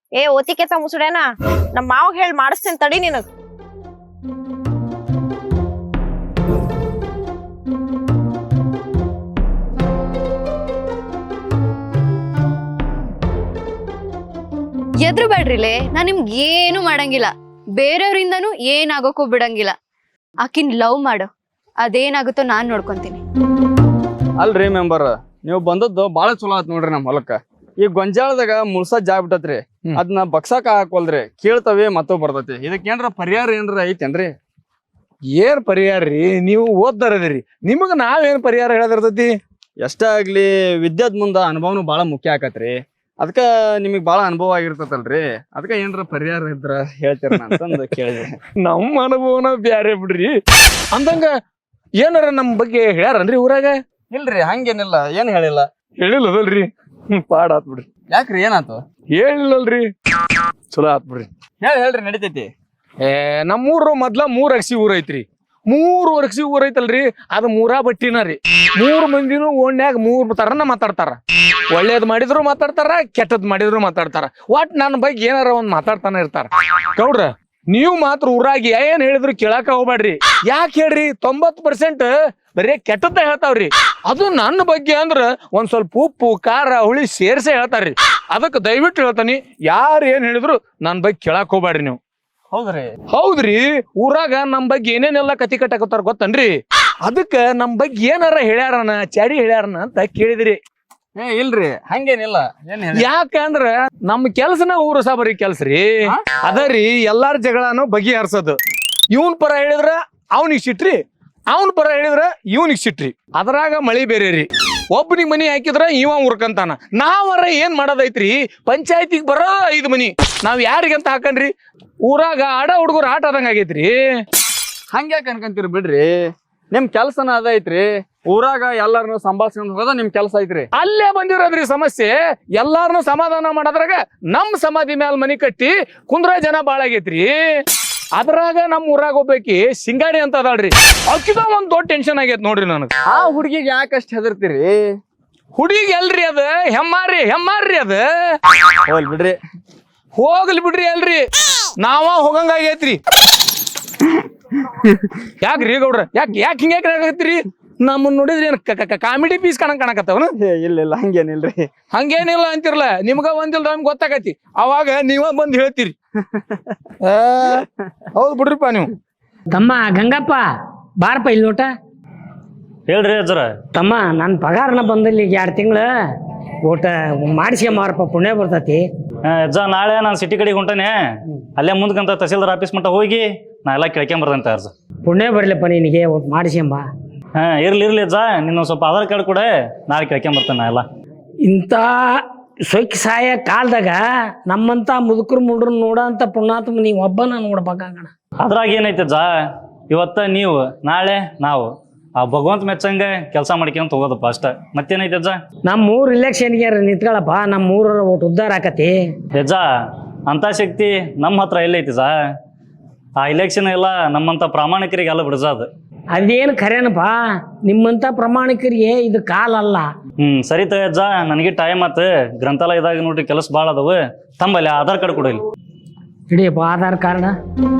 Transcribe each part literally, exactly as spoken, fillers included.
ಏ ಓತಿಕೆತ ಮುಸುಡೇನ ನಮ್ಮ ಮಾವ ಹೇಳಿ ಮಾಡಿಸ್ತೀನಿ ತಡಿ ನಿನಗ್. ಎದ್ರು ಬೇಡ್ರಿಲೆ ನಾ ನಿಮ್ಗೆ ಏನು ಮಾಡಂಗಿಲ್ಲ, ಬೇರೆಯವ್ರಿಂದನೂ ಏನಾಗೋಕ್ಕೂ ಬಿಡಂಗಿಲ್ಲ. ಆಕಿನ್ ಲವ್ ಮಾಡು, ಅದೇನಾಗುತ್ತೋ ನಾನ್ ನೋಡ್ಕೊಂತೀನಿ. ಅಲ್ರಿ ಮೆಂಬರ್, ನೀವು ಬಂದದ್ದು ಬಾಳ ಚಲೋ ಆತ್ ನೋಡ್ರಿ ನಮ್ ಹೊಲಕ್ಕ. ಈ ಗೊಂಜಾಳದಾಗ ಮುಳ್ಸ ಜಾಗ್ ಬಿಟ್ಟತ್ರಿ, ಅದನ್ನ ಬಕ್ಸಾಕ ಹಾಕೋಲ್ರಿ, ಕೇಳ್ತವೆ ಮತ್ತೋ ಬರ್ತೈತಿ. ಇದಕ್ಕೇನ್ರ ಪರಿಹಾರ ಏನ್ರ ಐತೇನ್ರಿ? ಏನ್ ಪರಿಹಾರ ರೀ? ನೀವು ಓದ್ದಾರದಿರಿ, ನಿಮಗ ನಾವೇನ್ ಪರಿಹಾರ ಹೇಳದಿರ್ತೈತಿ? ಎಷ್ಟ ಆಗ್ಲಿ ವಿದ್ಯಾದ್ ಮುಂದ ಅನುಭವನು ಬಾಳ ಮುಖ್ಯ ಆಕತ್ರಿ. ಅದಕ್ಕ ನಿಮಗ್ ಬಾಳ ಅನುಭವ ಆಗಿರ್ತೈತಲ್ರಿ, ಅದಕ್ಕ ಏನ್ರ ಪರಿಹಾರ ಇದ್ರ ಹೇಳ್ತೀರ ಅಂತಂದು ಕೇಳಿದೆ. ನಮ್ಮ ಅನುಭವನ ಬ್ಯಾರೆ ಬಿಡ್ರಿ. ಅಂದಂಗ ಏನಾರ ನಮ್ ಬಗ್ಗೆ ಹೇಳ್ಯಾರನ್ರಿ ಊರಾಗ? ಇಲ್ರಿ, ಹಂಗೇನಿಲ್ಲ, ಏನ್ ಹೇಳಿಲ್ಲ. ಹೇಳಿಲ್ಲದಲ್ರಿ? ಹ್ಮ್, ಪಾಡ್ ಆತ್ ಬಿಡ್ರಿ. ಯಾಕ್ರಿ, ಏನಾತು? ಹೇಳಿಲ್ಲಲ್ರಿ? ಚಲೋ ಆತ್ ಬಿಡ್ರಿ. ಹೇಳಿ ಹೇಳ್ರಿ, ನಡಿತೈತಿ. ಏ ನಮ್ಮೂರು ಮೊದ್ಲ ಮೂರ್ ಅಗಸಿ ಊರ್ ಐತ್ರಿ. ಮೂರು ಅಗಸಿ ಊರ್ ಐತಲ್ರಿ, ಅದು ಮೂರಾ ಬಟ್ಟಿನ ರೀ. ಮೂರ್ ಮಂದಿನೂ ಓಣ್ಯಾಗ ಮೂರ್ ತರನ ಮಾತಾಡ್ತಾರ. ಒಳ್ಳೇದ್ ಮಾಡಿದ್ರು ಮಾತಾಡ್ತಾರ, ಕೆಟ್ಟದ್ ಮಾಡಿದ್ರು ಮಾತಾಡ್ತಾರ. ಒಟ್ ನನ್ನ ಬಗ್ಗೆ ಏನಾರ ಒಂದ್ ಮಾತಾಡ್ತಾನೆ ಇರ್ತಾರ. ಗೌಡ್ರ, ನೀವು ಮಾತ್ರ ಊರಾಗ ಏನ್ ಹೇಳಿದ್ರು ಕೇಳಾಕ ಹೋಗ್ಬೇಡ್ರಿ. ಯಾಕೆ ಹೇಳ್ರಿ? ತೊಂಬತ್ ಪರ್ಸೆಂಟ್ ಬರೀ ಕೆಟ್ಟದ್ದ ಹೇಳ್ತಾವ್ರಿ. ಅದು ನನ್ನ ಬಗ್ಗೆ ಅಂದ್ರ ಒಂದ್ ಸ್ವಲ್ಪ ಉಪ್ಪು ಖಾರ ಹುಳಿ ಸೇರ್ಸೆ ಹೇಳ್ತಾರ್ರಿ. ಅದಕ್ಕೆ ದಯವಿಟ್ಟು ಹೇಳ್ತಾನಿ, ಯಾರು ಏನ್ ಹೇಳಿದ್ರು ನನ್ ಬಗ್ಗೆ ಕೇಳಾಕ್ ಹೋಗ್ಬೇಡ್ರಿ ನೀವು. ಹೌದ್ರಿ? ಹೌದ್ರಿ. ಊರಾಗ ನಮ್ ಬಗ್ಗೆ ಏನೇನೆಲ್ಲ ಕತಿ ಕಟ್ಟಾಕತ್ತಾರ ಗೊತ್ತನ್ರಿ? ಅದಕ್ಕ ನಮ್ ಬಗ್ಗೆ ಏನಾರ ಹೇಳ್ಯಾರನ, ಚಾಡಿ ಹೇಳ್ಯಾರನ ಅಂತ ಕೇಳಿದ್ರಿ. ಏ ಇಲ್ರಿ, ಹಂಗೇನಿಲ್ಲ. ಏನ್ ಹೇಳಿ? ಯಾಕಂದ್ರ ನಮ್ ಕೆಲ್ಸನ ಊರು ಸಾಬರಿ ಕೆಲ್ಸ್ರಿ. ಅದರಿ ಎಲ್ಲಾರ ಜಗಳನು ಬಗೆಹರ್ಸೋದು. ಇವನ್ ಪರ ಹೇಳಿದ್ರ ಅವನಿಗೆ ಸಿಟ್ರಿ, ಅವನ್ ಪರ ಹೇಳಿದ್ರ ಇವನಿಗೆ ಸಿಟ್ರಿ. ಅದ್ರಾಗ ಮಳಿ ಬೇರೆ ರೀ. ಒಬ್ಬನಿಗೆ ಮನಿ ಹಾಕಿದ್ರ ಇವ ಉರ್ಕಂತಾನ. ನಾವರ ಏನ್ ಮಾಡೋದೈತ್ರಿ? ಪಂಚಾಯತಿಗೆ ಬರೋ ಐದು ಮನಿ ನಾವ್ ಯಾರಿಗಂತ ಹಾಕನ್ರಿ? ಊರಾಗ ಆಡ ಹುಡುಗರು ಆಟ ಆದಂಗ ಆಗೈತ್ರಿ. ಹಂಗ್ಯಾಕ ಅನ್ಕಂತೀರಿ ಬಿಡ್ರಿ, ನಿಮ್ ಕೆಲ್ಸನ ಅದ ಐತ್ರಿ. ಊರಾಗ ಎಲ್ಲಾರನು ಸಂಭಾಳ್ಸ್ಕೊಂಡ್ ಹೋಗೋದ ನಿಮ್ ಕೆಲ್ಸ ಐತ್ರಿ. ಅಲ್ಲೇ ಬಂದಿರೋದ್ರಿ ಸಮಸ್ಯೆ. ಎಲ್ಲಾರನು ಸಮಾಧಾನ ಮಾಡೋದ್ರಾಗ ನಮ್ ಸಮಾಧಿ ಮ್ಯಾಲ ಮನಿ ಕಟ್ಟಿ ಕುಂದ್ರ ಜನ ಬಾಳ ಆಗೈತ್ರಿ. ಅದ್ರಾಗ ನಮ್ ಊರಾಗ ಹೋಗ್ಬೇಕಿ ಸಿಂಗಾರಿ ಅಂತ ಅದಾಳ್ರಿ, ಅಕ್ಕಿದ ಒಂದ್ ದೊಡ್ಡ ಟೆನ್ಷನ್ ಆಗೈತ್ ನೋಡ್ರಿ ನನಗ. ಆ ಹುಡುಗಿಗೆ ಯಾಕಷ್ಟ ಹೆದರ್ತೀರಿ? ಹುಡುಗಿ ಎಲ್ರಿ ಅದ? ಹೆಮ್ಮಾರಿ ಹೆಮ್ಮಾರ್ರಿ ಅದ. ಹೋಲ್ ಬಿಡ್ರಿ. ಹೋಗ್ಲಿ ಬಿಡ್ರಿ ಅಲ್ರಿ, ನಾವ ಹೋಗಂಗಾಗೈತ್ರಿ. ಯಾಕ್ರಿ ಗೌಡ್ರ? ಯಾಕೆ ಯಾಕೆ ಹಿಂಗ್ಯಾಕ ಆಗತ್ರಿ? ನಮ್ಮನ್ನ ನೋಡಿದ್ರಿ ಏನ್ ಕಾಮಿಡಿ ಪೀಸ್ ಕಾಣಂಗ್ ಕಾಣಕತ್ತವನು? ಇಲ್ಲ ಇಲ್ಲ, ಹಂಗೇನಿಲ್ರಿ. ಹಂಗೇನಿಲ್ಲ ಅಂತಿರ್ಲ, ನಿಮ್ಗ ಒಂದಿಲ್ಲ ನಮ್ಗೆ ಗೊತ್ತಾಗತಿ. ಅವಾಗ ನೀವ ಬಂದ್ ಹೇಳ್ತೀರಿ. ಹೌದ್ ಬಿಡ್ರಿಪ್ಪ ನೀವು. ತಮ್ಮ ಗಂಗಪ್ಪ ಬಾರಪ್ಪ ಇಲ್ಲಿ ನೋಟ. ಹೇಳ್ರಿ ಅಜ್ಜರ. ತಮ್ಮ ನನ್ನ ಪಗಾರನ ಬಂದಲ್ಲಿ ಈಗ ಎರಡು ತಿಂಗಳ ಊಟ ಮಾಡಿಸ್ಕೊಂಬಾರಪ್ಪ, ಪುಣ್ಯ ಬರ್ತೈತಿ. ಅಜ್ಜ ನಾಳೆ ನಾನು ಸಿಟಿ ಕಡೆಗೆ ಹೊಂಟಾನೆ, ಅಲ್ಲೇ ಮುಂದ್ಕಂತ ತಹಸೀಲ್ದಾರ್ ಆಫೀಸ್ ಮಟ್ಟ ಹೋಗಿ ನಾ ಎಲ್ಲ ಕೇಳ್ಕೊಂಬರ್ತಂತೆ ಅರ್ಜ. ಪುಣ್ಯ ಬರ್ಲಿಪ್ಪ ನಿನಗೆ, ಒಟ್ಟು ಮಾಡಿಸ್ಕೊಂಬ. ಹಾ ಇರ್ಲಿ ಇರ್ಲಿ ಅಜ್ಜ, ನಿನ್ನ ಸ್ವಲ್ಪ ಆಧಾರ್ ಕಾರ್ಡ್ ಕೂಡ ನಾಳೆ ಕೇಳ್ಕೊಂಬರ್ತೇನೆ ನಾ ಎಲ್ಲ. ಇಂಥ ಸೊಕ್ಕಿ ಸಾಯ ಕಾಲದಾಗ ನಮ್ಮಂತ ಮುದುಕರು ಮುಡ್ರು ನೋಡೋಂಥ ಪುಣ್ಯಾತ್ಮ ನೀವು ಒಬ್ಬನ ನೋಡ್ಬೇಕಾಗಣ. ಅದ್ರಾಗ ಏನೈತೆ ಅಜ್ಜ, ಇವತ್ತ ನೀವು ನಾಳೆ ನಾವು ಆ ಭಗವಂತ ಮೆಚ್ಚಂಗ ಕೆಲಸ ಮಾಡ್ಕೊಂತ ಹೋಗೋದಪ್ಪ ಅಷ್ಟ. ಮತ್ತೇನೈತೆ ಅಜ್ಜ? ನಮ್ಮ ಊರ್ ಇಲೆಕ್ಷನ್ಗೆ ನಿಂತ್ಕೊಳಪ್ಪ, ನಮ್ಮ ಊರ ಒಟ್ಟು ಉದ್ಧಾರ ಆಕತಿ. ಅಜ್ಜ ಅಂತ ಶಕ್ತಿ ನಮ್ಮ ಹತ್ರ ಎಲ್ಲೈತಿ ಅಜ್ಜ. ಆ ಇಲೆಕ್ಷನ್ ಎಲ್ಲ ನಮ್ಮಂತ ಪ್ರಾಮಾಣಿಕರಿಗೆ ಎಲ್ಲ ಬಿಡಜ ಅದು. ಅದೇನು ಖರೇನಪ್ಪ, ನಿಮ್ಮಂತ ಪ್ರಾಮಾಣಿಕರಿಗೆ ಇದು ಕಾಲ ಅಲ್ಲ. ಹ್ಮ್ ಸರಿ ತಗ ಅಜ್ಜ, ನನಗೆ ಟೈಮ್ ಆತ. ಗ್ರಂಥಾಲಯದಾಗ ನೋಡ್ರಿ ಕೆಲಸ ಭಾಳ ಅದಾವ. ತಂಬಲ್ಲಿ ಆಧಾರ್ ಕಾರ್ಡ್ ಕೊಡಲಿ. ಹಿಡಿಯಪ್ಪ ಆಧಾರ್ ಕಾರ್ಡ್.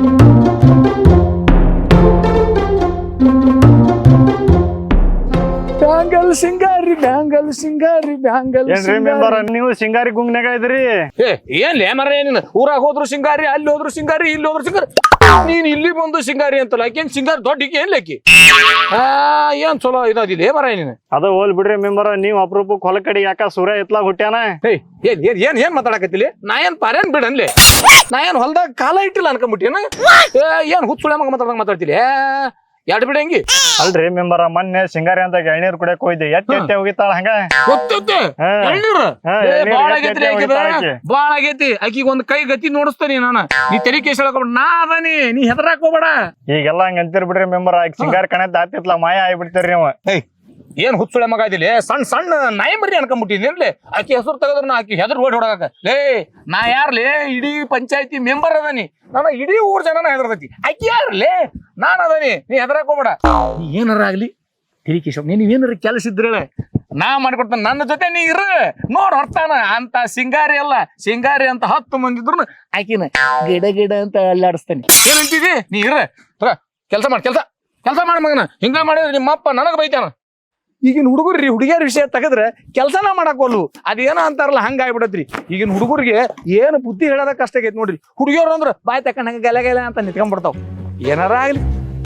ಬ್ಯಾಂಗಲ್ ಸಿಂಗಾರಿ ಬ್ಯಾಂಗಲ್ ಸಿಂಗಾರಿ ಬ್ಯಾಂಗಲ್ ಸಿಂಗಾರಿ. ನೀವು ಸಿಂಗಾರಿ ಗುಂಗ್ನಾಗ ಇದ್ರಿ? ಏ ಏನ್ ಮರ ಏನಿನ? ಊರಾಗ ಹೋದ್ರು ಸಿಂಗಾರಿ, ಅಲ್ಲಿ ಹೋದ್ರು ಸಿಂಗಾರಿ, ಇಲ್ಲಿ ಹೋದ್ರು ಸಿಂಗಾರಿ. ನೀನ್ ಇಲ್ಲಿ ಬಂದು ಸಿಂಗಾರಿ ಅಂತಲ್ಲ, ಆಕೇನ್ ಸಿಂಗಾರಿ ದೊಡ್ಡ ಏನ್ ಲೆಕ್ಕಿ? ಆ ಏನ್ ಚಲೋ ಇದಾದಿದೆ ಮರ ಏನಿನ? ಅದ ಹೋಲ್ ಬಿಡ್ರಿ ಮೆಂಬರ್, ನೀವ್ ಅಪರೂಪಕ್ಕೆ ಹೊಲ ಕಡೆ ಯಾಕ ಸೂರ್ಯ ಎತ್ಲಾಗ ಹುಟ್ಟ್ಯಾನ? ಏಯ್ ಏನ್ ಏನ್ ಏನ್ ಏನ್ ಮಾತಾಡಕತ್ತಿಲಿ? ನಾ ಏನ್ ಪಾರೇನ್ ಬಿಡನ್ಲಿ? ನಾ ಏನ್ ಹೊಲ್ದಾಗ ಕಾಲ ಇಟ್ಟಿಲ್ಲ ಅನ್ಕೊಂಬಿಟ್ಟಿನ? ಏನ್ ಹುಚ್ಚುಳೆ ಮಗ ಮಾತಾಡ್ದಂಗ ಮಾತಾಡ್ತಿಲಿ? ಎರಡು ಬಿಡ ಹೆಂಗಿ? ಅಲ್ರಿ ಮೆಂಬರ, ಮೊನ್ನೆ ಸಿಂಗಾರಿ ಅಂತ ಎಳ್ನೀರ್ ಕುಡಿಯಕ್ ಹೋಯ್ದೆ, ಎತ್ತ ಎತ್ತೆ ಹೋಗಿತ್ತಾಳ ಹಂಗ. ಗೊತ್ತೈತೆ ಎಳ್ನೀರು ಬಾಳ ಆಗೈತ್ರಿ. ಆಕಿದ ಬಾಳ ಆಗೈತಿ. ಆಕಿಗೆ ಒಂದ್ ಕೈ ಗತಿ ನೋಡಿಸ್ತಾನಿ ನಾನು. ನೀ ತೆರಿ ಕೇಸ್ ಹೇಳ್ಕೊಬೇಡ, ನಾ ಅದಾನಿ, ನೀ ಹೆದರಾಕ್ ಹೋಗ್ಬೇಡ. ಈಗೆಲ್ಲ ಹಂಗ ಅಂತೀರ್ ಬಿಡ್ರಿ ಮೆಂಬರ್, ಆಗ ಸಿಂಗಾರಿ ಕಣದ್ ಆತಿತ್ಲ ಮಾಯ ಆಗ್ಬಿಡ್ತೀರಿ ನೀವು. ಏಯ್ ಏನ್ ಹುಚ್ಚುಳೆ ಮಗ ಇದಿಲ್ಲ? ಸಣ್ಣ ಸಣ್ಣ ನಾಯಿ ಮರಿ ಅನ್ಕೊಂಡ್ಬಿಟ್ಟಿನಿ. ಆಕಿ ಹೆಸರು ತೆಗದ್ರ ಆಕಿ ಹೆದರ್ ಓಡಿ ಹೊಡಕ. ಲೇ ನಾ ಯಾರ್ಲೇ? ಇಡೀ ಪಂಚಾಯತಿ ಮೆಂಬರ್ ಅದಾನಿ, ನನ್ನ ಇಡೀ ಊರ್ ಜನ ಹೆದರ್ತೈತಿ. ಆಕಿ ಯಾರ್ಲೇ? ನಾನ್ ಅದಾನಿ, ನೀ ಹೆದರಾಕ್ ಹೋಗ್ಬೇಡ. ನೀ ಏನಾರ ಆಗ್ಲಿ ತಿಳಿ ಕೇಶವ್, ನೀನ್ ಏನಾರ ಕೆಲಸ ಇದ್ರೆ ನಾ ಮಾಡ್ಕೊಡ್ತಾನ ನನ್ನ ಜೊತೆ ನೀ ಇರು ನೋಡ್ ಹೊರ್ತಾನ ಅಂತ ಸಿಂಗಾರಿ ಅಲ್ಲ ಸಿಂಗಾರಿ ಅಂತ ಹತ್ತು ಮಂದಿ ಇದ್ರು ಆಕಿನ ಗಿಡ ಗಿಡ ಅಂತ ಅಲ್ಲಾಡಿಸ್ತೇನೆ ಏನಂತಿದಿ ನೀ ಇರ ಕೆಲಸ ಮಾಡ್ ಕೆಲಸ ಕೆಲಸ ಮಾಡ ಮಗನ ಹಿಂಗ ಮಾಡಿದ್ರೆ ನಿಮ್ಮಪ್ಪ ನನಗ ಬೈತಾನ ಈಗಿನ ಹುಡುಗರ್ರಿ ಹುಡುಗಿಯರ ವಿಷಯ ತೆಗದ್ರೆ ಕೆಲಸನ ಮಾಡಾಕೋಲ್ವು ಅದೇನೋ ಅಂತಾರಲ್ಲ ಹಂಗ ಆಗ್ಬಿಡತ್ರಿ ಈಗಿನ ಹುಡುಗರಿಗೆ ಏನು ಬುದ್ಧಿ ಹೇಳೋದ ಕಷ್ಟ ಆಗೈತಿ ನೋಡ್ರಿ ಹುಡುಗಿಯವ್ರು ಅಂದ್ರ ಬಾಯ್ ತಕೊಂಡ್ ಹಂಗ ಗಲೆ ಗಲೆ ಅಂತ ನಿಂತ್ಕೊಂಡ್ಬಿಡ್ತಾವ ಏನಾರ ಆಗ್ಲಿ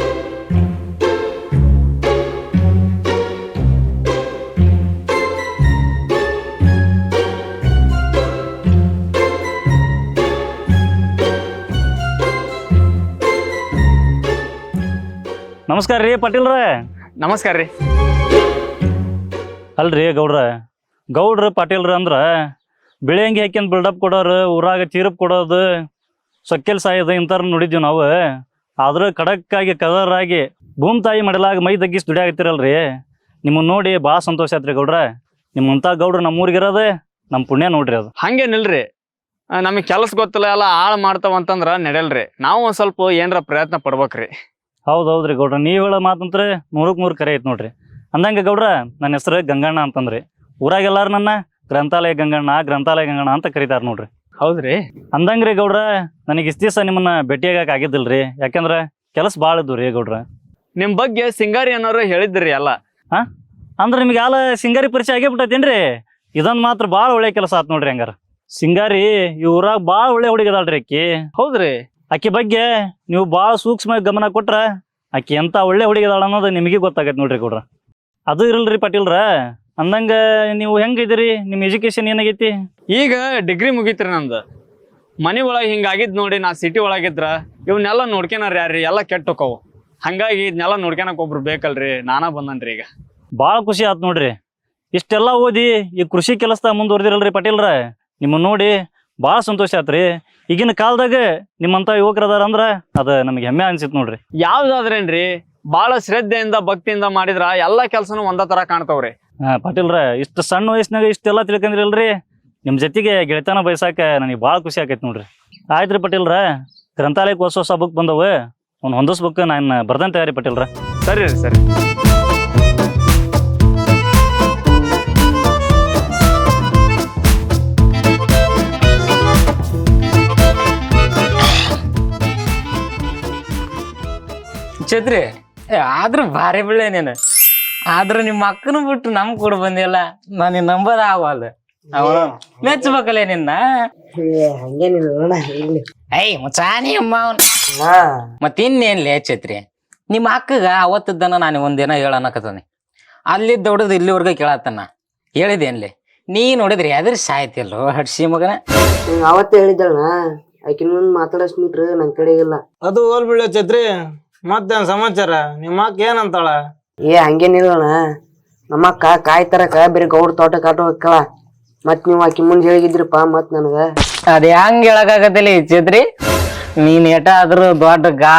ನಮಸ್ಕಾರ ರೀ ಪಾಟೀಲ್ರ. ನಮಸ್ಕಾರ ರೀ. ಅಲ್ರಿ ಗೌಡ್ರ ಗೌಡ್ರ ಪಾಟೀಲ್ರ ಅಂದ್ರ ಬೆಳೆಯಂಗಿ ಹಾಕ್ಯಂದ್ ಬಿಲ್ಡಪ್ ಕೊಡೋರು ಊರಾಗ ಚೀರಪ್ ಕೊಡೋದು ಸೊಕ್ಕೆಲ್ ಸಾಯೋದು ಇಂಥವ್ರ ನೋಡಿದ್ವಿ ನಾವು. ಆದ್ರೆ ಖಡಕ್ಕಾಗಿ ಕದರಾಗಿ ಭೂಮಿ ತಾಯಿ ಮಡಲಾಗ ಮೈ ತಗ್ಗಿಸಿ ದುಡಿಯಾಗತ್ತಿರಲ್ರಿ. ನಿಮ್ಮನ್ನ ನೋಡಿ ಭಾಳ ಸಂತೋಷ ಆಯ್ತ್ರಿ ಗೌಡ್ರ. ನಿಮ್ಮಂತ ಗೌಡ್ರ ನಮ್ಮೂರಿಗಿರೋದೆ ನಮ್ಮ ಪುಣ್ಯ ನೋಡ್ರಿ ಅದು. ಹಂಗೇನಿಲ್ರಿ, ನಮಗೆ ಕೆಲಸ ಗೊತ್ತಿಲ್ಲ ಎಲ್ಲ ಹಾಳು ಮಾಡ್ತಾವ ಅಂತಂದ್ರ ನಡೆಯಲ್ರಿ. ನಾವು ಒಂದ್ ಸ್ವಲ್ಪ ಏನ್ರ ಪ್ರಯತ್ನ ಪಡ್ಬೇಕ್ರಿ. ಹೌದು ಹೌದ್ರಿ ಗೌಡ್ರ, ನೀವು ಹೇಳೋ ಮಾತಂತ್ರ ನೂರಕ್ಕೆ ನೂರು ಕರೆ ಐತ್ ನೋಡ್ರಿ. ಅಂದಂಗೆ ಗೌಡ್ರ ನನ್ನ ಹೆಸರು ಗಂಗಣ್ಣ ಅಂತಂದ್ರಿ. ಊರಾಗೆಲ್ಲಾರು ನನ್ನ ಗ್ರಂಥಾಲಯ ಗಂಗಣ್ಣ ಗ್ರಂಥಾಲಯ ಗಂಗಣ್ಣ ಅಂತ ಕರೀತಾರ ನೋಡ್ರಿ. ಹೌದ್ರಿ. ಅಂದಂಗ್ರಿ ಗೌಡ್ರ ನನಗೆ ಇಷ್ಟ ದಿವಸ ನಿಮ್ಮನ್ನ ಭೇಟಿಯಾಗಕ್ಕೆ ಆಗಿದ್ದಿಲ್ರಿ, ಯಾಕಂದ್ರೆ ಕೆಲಸ ಭಾಳ ಇದ್ದು ರೀ ಗೌಡ್ರ. ನಿಮ್ ಬಗ್ಗೆ ಸಿಂಗಾರಿ ಅನ್ನೋರು ಹೇಳಿದ್ರಿ ಎಲ್ಲ. ಹಾ ಅಂದ್ರೆ ನಿಮ್ಗೆ ಆಲ ಸಿಂಗಾರಿ ಪರಿಚಯ ಆಗೇ ಬಿಟ್ಟೈತೇನ್ರಿ? ಇದೊಂದು ಮಾತ್ರ ಭಾಳ ಒಳ್ಳೆ ಕೆಲಸ ಆತ್ ನೋಡ್ರಿ. ಹಂಗಾರ ಸಿಂಗಾರಿ ಈ ಊರಾಗ ಭಾಳ ಒಳ್ಳೆ ಹುಡುಗಿ ಅದಾಳ್ರಿ ಆಕಿ. ಹೌದ್ರಿ. ಆಕಿ ಬಗ್ಗೆ ನೀವು ಭಾಳ ಸೂಕ್ಷ್ಮ ಗಮನ ಕೊಟ್ರ ಆಕಿ ಎಂತ ಒಳ್ಳೆ ಹುಡುಗಿ ಅದಾಳ ಅನ್ನೋದು ನಿಮಗೆ ಗೊತ್ತಾಗೈತೆ ನೋಡ್ರಿ ಗೌಡ್ರ. ಅದು ಇರಲ್ರಿ ಪಾಟೀಲ್ರ. ಅಂದಂಗ ನೀವು ಹೆಂಗಿದಿರಿ? ನಿಮ್ಮ ಎಜುಕೇಶನ್ ಏನಾಗೈತಿ? ಈಗ ಡಿಗ್ರಿ ಮುಗೀತ್ರಿ ನಂದು. ಮನೆ ಒಳಗೆ ಹಿಂಗಾಗಿದ್ ನೋಡಿ ನಾ ಸಿಟಿ ಒಳಗಿದ್ರ ಇವನ್ನೆಲ್ಲ ನೋಡ್ಕೊನಾರ ಯಾರ್ರಿ, ಎಲ್ಲ ಕೆಟ್ಟ ಹೋಕವು. ಹಂಗಾಗಿ ಇದನ್ನೆಲ್ಲ ನೋಡ್ಕೊಳಕ್ ಒಬ್ರು ಬೇಕಲ್ರಿ, ನಾನಾ ಬಂದನ್ರಿ ಈಗ. ಭಾಳ ಖುಷಿ ಆತ್ ನೋಡ್ರಿ. ಇಷ್ಟೆಲ್ಲ ಓದಿ ಈ ಕೃಷಿ ಕೆಲಸದಾಗ ಮುಂದುವರೆದಿರಲ್ರಿ ಪಾಟೀಲ್ರ. ನಿಮ್ಮನ್ನ ನೋಡಿ ಭಾಳ ಸಂತೋಷ ಆತ್ರಿ. ಈಗಿನ ಕಾಲದಾಗ ನಿಮ್ಮಂತ ಯುವಕರದಾರ ಅಂದ್ರ ಅದ ನಮಗೆ ಹೆಮ್ಮೆ ಅನ್ಸಿತ್ ನೋಡ್ರಿ. ಯಾವ್ದಾದ್ರೇನ್ರಿ ಭಾಳ ಶ್ರದ್ಧೆಯಿಂದ ಭಕ್ತಿಯಿಂದ ಮಾಡಿದ್ರ ಎಲ್ಲಾ ಕೆಲ್ಸನೂ ಒಂದ ತರ ಕಾಣ್ತಾವ್ರಿ. ಹಾ ಪಾಟೀಲ್ರ, ಇಷ್ಟು ಸಣ್ಣ ವಯಸ್ಸಿನಾಗ ಇಷ್ಟೆಲ್ಲ ತಿಳ್ಕೊಂಡಿರಲ್ರಿ. ನಿಮ್ ಜೊತೆಗೆ ಗೆಳೆತನ ಬಯಸಾಕ ನನಗೆ ಭಾಳ ಖುಷಿ ಆಕೈತಿ ನೋಡ್ರಿ. ಆಯ್ತ್ರಿ ಪಾಟೀಲ್ರ, ಗ್ರಂಥಾಲಯಕ್ಕೆ ಹೊಸ ಹೊಸ ಬುಕ್ ಬಂದವು, ಅವ್ನು ಹೊಂದಿಸ್ಬೇಕು. ನಾನು ಬರ್ದಂತ ತಯಾರಿ ಪಾಟೀಲ್ರ. ಸರಿ ರೀ ಸರಿ. ಛತ್ರಿ ಆದ್ರೂ ಭಾರಿ ಬಿಳೆ ನೀನು. ಆದ್ರ ನಿಮ್ಮ ಅಕ್ಕನ ಬಿಟ್ಟು ನಮ್ ಕೂಡ ಬಂದಿಲ್ಲ. ನಾನು ನಂಬದ ಆಗವಲ್ದು. ಅವನು ಮೆಚ್ಚಬೇಕಲ್ಲ ನಿನ್ನ. ಹಂಗೇನಿಲ್ಲ ಐ ಮುಚಾನಿ ಅಮ್ಮ ಅವನ್ ಮತ್ತಿನ್ನೇನ್ಲೇ ಛತ್ರಿ, ನಿಮ್ಮ ಅಕ್ಕಗ ಅವತ್ತಿದ್ದನ ನಾನು ಒಂದಿನ ಹೇಳನ್ನಕತ್ತಾನೆ. ಅಲ್ಲಿದ್ದ ಹೊಡೆದು ಇಲ್ಲಿವರೆಗೂ ಕೇಳತ್ತನ. ಹೇಳಿದೇನ್ಲಿ ನೀ ನೋಡಿದ್ರಿ ಅದ್ರ ಸಾಯ್ತಿಲ್ಲೋ ಹಡ್ಸಿ ಮಗನ. ಅವತ್ತೇ ಹೇಳಿದ್ದಳ ಆಕಿನ ಮುಂದ್ ಮಾತಾಡಸ್ ಮೀಟ್ರ್ ನನ್ ಕಡೆ ಇಲ್ಲ. ಅದು ಹೋಲ್ ಬಿಡ ಛತ್ರಿ, ಮತ್ತೇನ್ ಸಮಾಚಾರ? ನಿಮ್ಮ ಅಕ್ಕ ಏನಂತಾಳ? ಏ ಹಂಗೇನಿಲ್ಲಣ್ಣ, ನಮ್ಮಕ್ಕ ಕಾಯಿ ತರಕ ಬೇರೆ ಗೌಡ್ ತೋಟ ಕಾಟ ಹೋಗ್ಕಳ. ಮತ್ ನೀವ್ ಆಕಿ ಮುಂದ್ ಹೇಳಿದ್ರಿಪ್ಪ ಮತ್ ನನಗ ಅದ ಹೆಂಗ್ ಹೇಳಕಾಗತ್ತಿಲ್ಲ ಈ ಛತ್ರಿ. ನೀನ್ ಏಟ ಆದ್ರೂ ದೊಡ್ಡ ಗಾ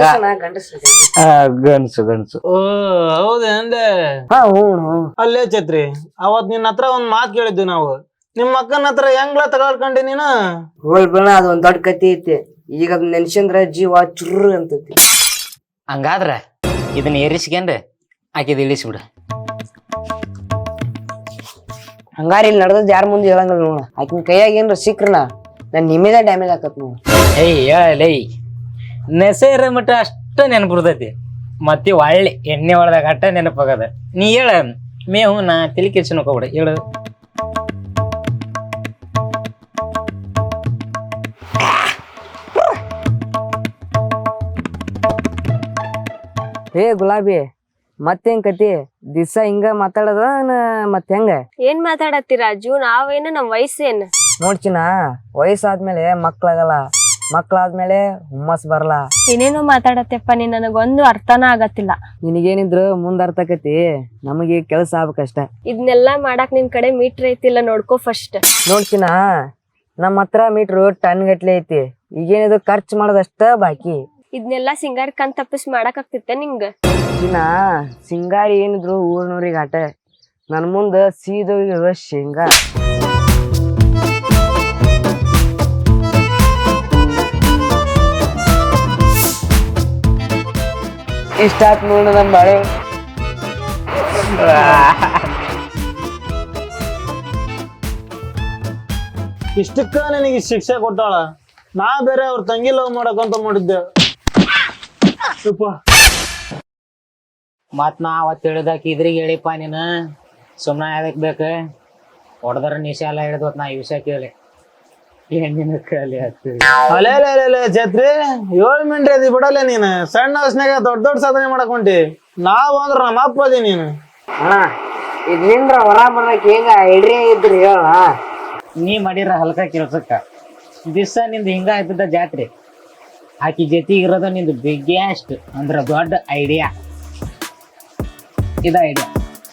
ಗನ್ಸು ಗನ್ಸು. ಓ ಹೌದೇನ್ಲೆ? ಹಾ ಹ್ಞೂ. ಅಲ್ಲೇ ಛತ್ರಿ, ಅವತ್ ನಿನ್ನ ಹತ್ರ ಒಂದ್ ಮಾತ್ ಕೇಳಿದ್ವಿ ನಾವು. ನಿಮ್ಮ ಅಕ್ಕನ ಹತ್ರ ಹೆಂಗ್ಲ ತಗೊಳ್ಕೊಂಡಿ ನೀನು? ಹೋಲ್ ಬೇಡ, ಅದ್ ಒಂದ್ ದೊಡ್ಡ ಕತಿ ಐತಿ. ಈಗ ಅದ್ ನೆನ್ಸಂದ್ರ ಜೀವ ಚುರ್ರ ಅಂತೈತಿ. ಹಂಗಾದ್ರ ಇದನ್ನ ಏರಿಸ್ಕೊಂಡ್ರೆ ಆಕಿದ್ ಇಳಿಸ್ಬಿಡ. ಹಂಗಾರ ಇಲ್ಲಿ ನಡ್ದದ್ ಯಾರ ಮುಂದೆ ಹೇಳಂಗಿಲ್ಲ ನೋಡ. ಆಕಿನ ಕೈಯಾಗ ಏನ್ರ ಸಿಕ್ರನ ನನ್ ನಿಮ್ಮೇದ ಡ್ಯಾಮೇಜ್ ಆಕತ್ ನೋಡ. ಏಯ್ ಹೇಳಲೇ, ನೆಸೆರ ಮಟ್ಟ ಅಷ್ಟ ನೆನಪಿರ್ತೈತಿ. ಮತ್ತೆ ಒಳ್ಳೆ ಎಣ್ಣೆ ಹೊಡೆದಾಗ ಅಟ್ಟ ನೆನಪಾಗದ. ನೀ ಹೇಳ ಮೇವು ನಾ ತಲೆ ಕೆಡ್ಸಿ ನೋಡ್ಕೊಬಿಡ. ಹೇಳು. ಏ ಗುಲಾಬಿ, ಮತ್ತೇನ್ ಕತಿ? ದಿವ್ಸ ಹಿಂಗ ಮಾತಾಡದ ಮತ್ ಹೆಂಗ? ಏನ್ ಮಾತಾಡತ್ತಿ ರಾಜು? ನಾವೇನು ನಮ್ ವಯಸ್ಸೇನ್ ನೋಡ್ಚಿನ, ವಯಸ್ಸಾದ್ಮೇಲೆ ಮಕ್ಳಾಗಲ್ಲ, ಮಕ್ಳಾದ್ಮೇಲೆ ಹುಮ್ಮಸ್ ಬರಲ್ಲ. ಏನೇನೋ ಮಾತಾಡತ್ತೆಪ್ಪ, ನೀನ್ ನನಗೊಂದು ಅರ್ಥನ ಆಗತ್ತಿಲ್ಲ. ನಿನಗೇನಿದ್ರು ಮುಂದ್ ಅರ್ಥಕತಿ, ನಮಗೆ ಕೆಲ್ಸ ಆಗ್ಬೇಕಷ್ಟ. ಇದನ್ನೆಲ್ಲಾ ಮಾಡಾಕ್ ನಿನ್ ಕಡೆ ಮೀಟರ್ ಐತಿಲ್ಲ ನೋಡ್ಕೋ ಫಸ್ಟ್. ನೋಡ್ಚಿನ, ನಮ್ಮ ಹತ್ರ ಮೀಟ್ರು ಟನ್ ಗಟ್ಲೆ ಐತಿ. ಈಗೇನಿದು ಖರ್ಚು ಮಾಡೋದಷ್ಟ ಬಾಕಿ. ಇದನ್ನೆಲ್ಲಾ ಸಿಂಗಾರ ಕಣ್ ತಪ್ಪಿಸ್ ಮಾಡಕ್ ಆಗ್ತಿತ್ತ ನಿಂಗ? ಇನ್ನ ಸಿಂಗಾರಿ ಏನಿದ್ರು ಊರ್ನವ್ರಿಗೆ ಆಟ, ನನ್ ಮುಂದ ಸೀದೋಗಿರುವ ಶೇಂಗಾ. ಇಷ್ಟಾತ್ ನೋಡ ನಮ್ ಬಾಳೆ. ಇಷ್ಟಕ್ಕ ನಿನಗೆ ಶಿಕ್ಷೆ ಕೊಟ್ಟಾಳ. ನಾ ಬೇರೆ ಅವ್ರ ತಂಗಿ ಲವ್ ಮಾಡಕಂತ ಮಾಡಿದ್ದೆ. ಯಪ್ಪ. ಮತ್ ನಾ ಅವತ್ ಹೇಳಿದಾಕಿ ಇದ್ರಿಗೆ ಹೇಳಿಪ್ಪ ನೀನು ಸುಮ್ಮನೆ ಯಾವ್ದಕ್ ಬೇಕ ಹೊಡೆದ್ರ ನಿಶೆ ಎಲ್ಲ ಹಿಡಿದ್ವತ್ ನಾ ಈ ವಿಷಯ ಕೇಳಿ ಹೆಣ್ಣಿನ ಕಲಿ ಆಗ್ತದೆ. ಅಲೆ ಅಲೆ ಅಲೆ ಅಲೆ ಛತ್ರಿ ಏಳು ಮಿಂಟ್ರಿ ಅದಿ ಬಿಡಲ್ಲ ನೀನು. ಸಣ್ಣ ವಯಸ್ಸಿನಾಗ ದೊಡ್ಡ ದೊಡ್ಡ ಸಾಧನೆ ಮಾಡಕ್ ಹೊಂಟಿ. ನಾವ್ ಅಂದ್ರ ನಮ್ಮ ಅಪ್ಪ ಅದಿ ನೀನು. ಅಣ್ಣ ಇದ್ ನಿಂದ್ರ ಹೊರ ಬರಕ್ ಹೆಂಗ ಐಡಿಯಾ ಇದ್ರಿ ಹೇಳ. ನೀ ಮಾಡಿರ ಹಲ್ಕ ಕೆಲ್ಸಕ್ಕ ದಿವ್ಸ ನಿಂದು ಹಿಂಗ ಆಗ್ತದ ಜಾತ್ರೆ. ಆಕಿ ಜೊತೆಗೆ ಇರೋದು ನಿಂದು ಬಿಗ್ಗೆಸ್ಟ್ ಅಂದ್ರ ದೊಡ್ಡ ಐಡಿಯಾ. ಇದ ಐಡಿಯಾ.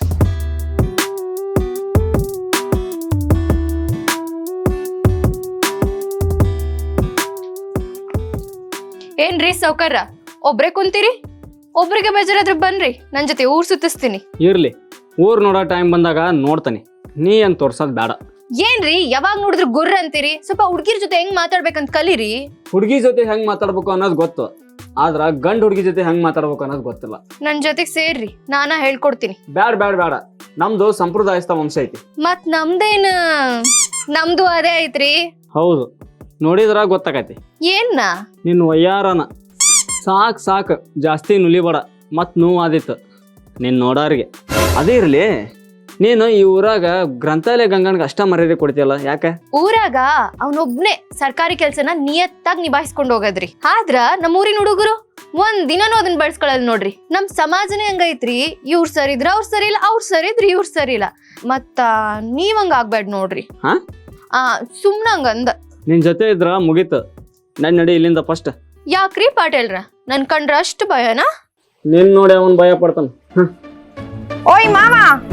ಏನ್ರಿ ಸೌಕರ್ಯ ಒಬ್ರೇ ಕುಂತೀರಿ? ಒಬ್ರಿಗೆ ಬೇಜಾರಾದ್ರೆ ಬನ್ರಿ ನನ್ ಜೊತೆ ಊರ್ ಸುತ್ತಿಸ್ತೀನಿ. ಇರ್ಲಿ, ಊರ್ ನೋಡೋ ಟೈಮ್ ಬಂದಾಗ ನೋಡ್ತಾನೆ. ನೀ ಏನ್ ತೋರ್ಸೋದ್ ಬೇಡ. ಏನ್ರಿ ಯಾವಾಗ ನೋಡಿದ್ರು ಗುರ್ರ ಅಂತೀರಿ? ಸ್ವಲ್ಪ ಹುಡ್ಗಿರ್ ಜೊತೆ ಹೆಂಗ್ ಮಾತಾಡ್ಬೇಕಂತ ಕಲೀರಿ. ಹುಡುಗಿ ಜೊತೆ ಹೆಂಗ್ ಮಾತಾಡ್ಬೇಕು ಅನ್ನೋದು ಗೊತ್ತು, ಆದ್ರ ಗಂಡ್ ಹುಡುಗಿ ಜೊತೆ ಹೆಂಗ್ ಮಾತಾಡ್ಬೇಕು ಅನ್ನೋದು ಗೊತ್ತಿಲ್ಲ. ನನ್ ಜೊತೆಗ್ ಸೇರ್ರಿ, ನಾನ ಹೇಳ್ಕೊಡ್ತೀನಿ. ಬ್ಯಾಡ ಬ್ಯಾಡ ಬೇಡ, ನಮ್ದು ಸಂಪ್ರದಾಯಸ್ಥ ವಂಶ ಐತಿ. ಮತ್ ನಮ್ದೇನ್ ನಮ್ದು ಅದೇ ಐತ್ರಿ. ಹೌದು, ನೋಡಿದ್ರ ಗೊತ್ತಾಗೈತಿ. ಏನ್ನ ನಿನ್ ವಯ್ಯಾರನ ಸಾಕ್ ಸಾಕ್, ಜಾಸ್ತಿ ನುಲಿಬೇಡ, ಮತ್ ನೋವು ಆದಿತ್ತು ನಿನ್ ನೋಡಾರಿಗೆ. ಅದೇ ಇರ್ಲಿ, ನೀನು ಈ ಊರಾಗ ಗ್ರಂಥಾಲಯ ಗಂಗನ್ಗೆ ಅಷ್ಟ ಮರ್ಯಾದೆ ಕೊಡ್ತೀಯಲ್ಲ, ಯಾಕೆ? ಊರಾಗ ಅವನೊಬ್ನೇ ಸರ್ಕಾರಿ ಕೆಲ್ಸನ ನಿಯತ್ತಾಗಿ ನಿಭಾಯಿಸ್ಕೊಂಡ್ ಹೋಗದ್ರಿ. ಆದ್ರ ನಮ್ಮ ಊರಿನ ಹುಡುಗರು ಒಂದ್ ದಿನನೂ ಅದನ್ನ ಬಳಸ್ಕೊಳಲ್ ನೋಡ್ರಿ. ನಮ್ ಸಮಾಜನೇ ಹಂಗೈತ್ರಿ. ಇವ್ರ ಸರಿ ಇದ್ರ ಅವ್ರ ಸರಿ ಇಲ್ಲ, ಅವ್ರ ಸರಿ ಇದ್ರ ಇವ್ರ ಸರಿ ಇಲ್ಲ. ಮತ್ತ ನೀವ್ ಹಂಗ ಆಗ್ಬೇಡ ನೋಡ್ರಿ. ಹಾ ಆ ಸುಮ್ನ ಹಂಗಂದ. ನಿನ್ ಜೊತೆ ಇದ್ರ ಮುಗೀತು, ನನ್ ನಡಿ ಇಲ್ಲಿಂದ ಫಸ್ಟ್. ಯಾಕ್ರಿ ಪಾಟೇಲ್ರ ನನ್ ಕಂಡ್ರ ಅಷ್ಟು ಭಯನಾ? ನಿನ್ ನೋಡಿ ಅವನ್ ಭಯ ಪಡ್ತಾನ. ಓಯ್ ಮಾಮ,